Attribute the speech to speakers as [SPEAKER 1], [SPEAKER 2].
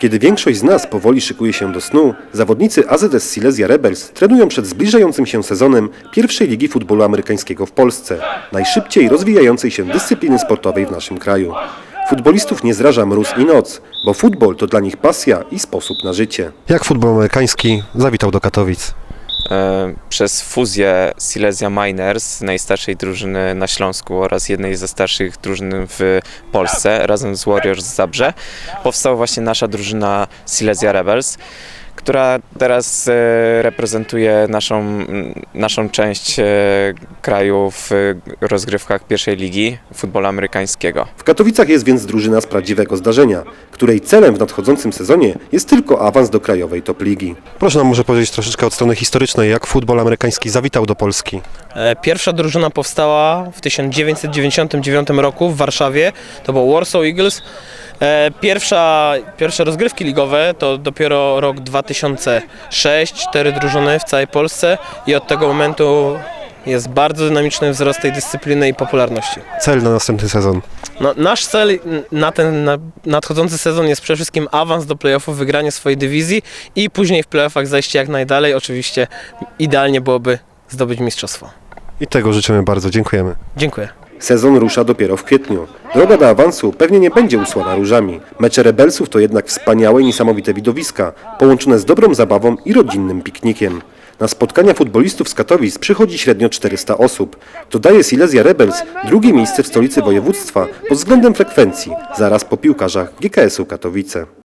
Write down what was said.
[SPEAKER 1] Kiedy większość z nas powoli szykuje się do snu, zawodnicy AZS Silesia Rebels trenują przed zbliżającym się sezonem pierwszej ligi futbolu amerykańskiego w Polsce, najszybciej rozwijającej się dyscypliny sportowej w naszym kraju. Futbolistów nie zraża mróz i noc, bo futbol to dla nich pasja i sposób na życie. Jak futbol amerykański zawitał do Katowic?
[SPEAKER 2] Przez fuzję Silesia Miners, najstarszej drużyny na Śląsku oraz jednej ze starszych drużyn w Polsce, razem z Warriors z Zabrze, powstała właśnie nasza drużyna Silesia Rebels, która teraz reprezentuje naszą część kraju w rozgrywkach pierwszej ligi futbolu amerykańskiego.
[SPEAKER 1] W Katowicach jest więc drużyna z prawdziwego zdarzenia, której celem w nadchodzącym sezonie jest tylko awans do krajowej top ligi. Proszę nam może powiedzieć troszeczkę od strony historycznej, jak futbol amerykański zawitał do Polski.
[SPEAKER 3] Pierwsza drużyna powstała w 1999 roku w Warszawie, to był Warsaw Eagles. Pierwsze rozgrywki ligowe to dopiero rok 2006, 4 drużyny w całej Polsce i od tego momentu jest bardzo dynamiczny wzrost tej dyscypliny i popularności.
[SPEAKER 1] Cel na następny sezon?
[SPEAKER 3] No, nasz cel na ten nadchodzący sezon jest przede wszystkim awans do play-offów, wygranie swojej dywizji i później w play-offach zajście jak najdalej. Oczywiście idealnie byłoby zdobyć mistrzostwo.
[SPEAKER 1] I tego życzymy bardzo. Dziękujemy.
[SPEAKER 3] Dziękuję.
[SPEAKER 1] Sezon rusza dopiero w kwietniu. Droga do awansu pewnie nie będzie usłana różami. Mecze Rebelsów to jednak wspaniałe i niesamowite widowiska, połączone z dobrą zabawą i rodzinnym piknikiem. Na spotkania futbolistów z Katowic przychodzi średnio 400 osób. To daje Silesia Rebels drugie miejsce w stolicy województwa pod względem frekwencji, zaraz po piłkarzach GKS-u Katowice.